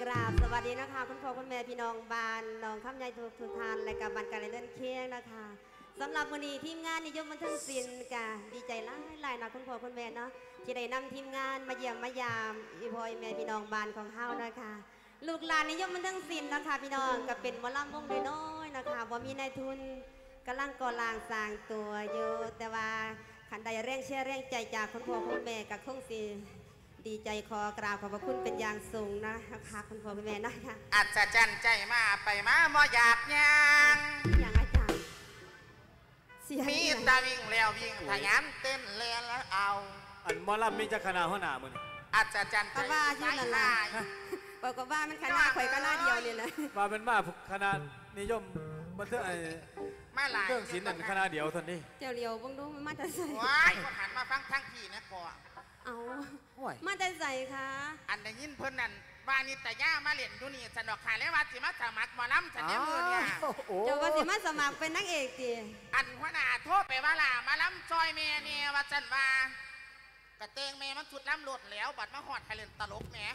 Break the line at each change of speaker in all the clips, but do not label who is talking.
ราบสวัสดีนะคะคุณพ่อคุณแม่พี่น้องบ้านน้องข้ามใหญ่ทุกท่านและกับบ้านการเล่นเคียงนะคะสำหรับวันนี้ทีมงานนิยมบันเทิงศิลป์กะดีใจหลายนะคุณพ่อคุณแม่เนาะที่ได้นำทีมงานมาเยี่ยมมายามอีพ่อแม่พี่น้องบ้านของเฮานะคะลูกหลานนิยมบันเทิงศิลป์นะคะพี่น้องก็เป็นหมอลำวงน้อยๆนะคะบ่มีนายทุนกำลังก่อร่างสร้างตัวอยู่แต่ว่าขันใดแรงเชื่อแรงใจจากคุณพ่อคุณแม่กับคงสิดีใจขอกราบขอบพระคุณเป็นอย่างสูงนะคะคุณพ่อคุณแม่นะคะ
อัศจรรย์ใจมาไปมาบ่อยากยัง
อย่างอาจารย์
มีตาวิ่งแล้ววิ่งทะยานเต้นเล่นแล้วเอา
อันมอลำมีจะคณะหัวหน้ามึง
อัศจรรย์ใจ
ว่าชื่อนั่นแหละบอกกับว่ามันคณะข่อยก็หน้าเดียวเนี่ยนะ
มาเป็นมาคณะนิยมบันเทิงไอ้
มาหลาย
เรื่องศิลป์นั่นคณะเดียวท่านนี้
เจ้าเลียวบังดูมันมาแต่ใส่
ว้ายก็หันมาฟังทั้งทีนะก่อน
เอามาแต่ใส่ค่ะ
อันได้ยินเพิ่นนั่นว่านี่แต่ย่ามาเล่นอยู่นี่สนอกขายแล้วว่าสิมาสมัครหมอลำฉันเนี่ยมือเนี่ย
เจ้าว่าสิมาสมัครเป็นนางเอกดิ
อันหัวหน้าโทษไปว่าล่ะมาลำซอยเมย์เนี่ยว่าฉันว่ากระเตงเมย์มันชุดล้ำหลดแล้วบัดมาหอดไทยเล่นตลกแหม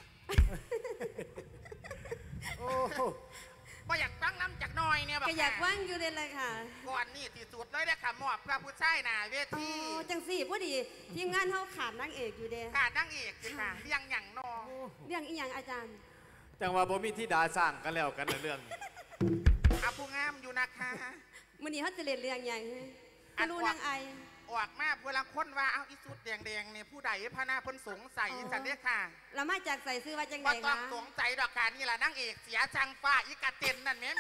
โอ้
ก็อยากฟังล้ำจากน้อยเนี่ย
ก็อยากฟังอยู่เลยค่ะ
ก่อนนี่ที่สุดเลยได้ค่ะมอบพระผู้ชายน่ะเวที
จังสี่พอดีทีมงานเขาขาดนางเอกอยู่เด้
ขาดนางเอกค่ะเรื่องอย่างนอ
เรื่องอีหยังอาจารย์
จังว่าบ่มีที่ดาสร้างกันแล้วกันในเรื่อง
อาผู้งามอยู่นะคะ
มื้อนี้เขาจะเล่นเรื่องอย่างให้รู้นางไอ
ออกมาเวลาคนว่าเอาอีสุดแดงๆเนี่ยผู้ใดพระนาพ้นสงสัยจันเด้ค่ะ
เรามาจากใส่ซื้อว่าจังไงคะ
ก็ต้องสงสัยดอกการนี่แหละนางเอกเสียจังฟ้าอีกาเต็นนั่นแม่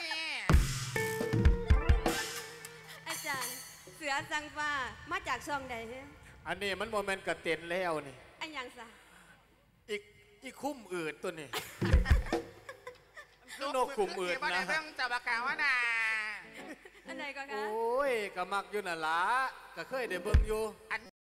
อาจารย์เสือจังฟ้ามาจากช่องใด
อันนี้มันโมเมนต์กระเต็นแล้วนี่
อันยังซะ
อีคุ้มอืดตัวนี้นกคุ้มอืดนะ
เรื่องจับกาวนา
อันไหนก็คะ
โอ้ยก็มักอยู่น่ะล่ะก็เคยได้เบิ่งอยู่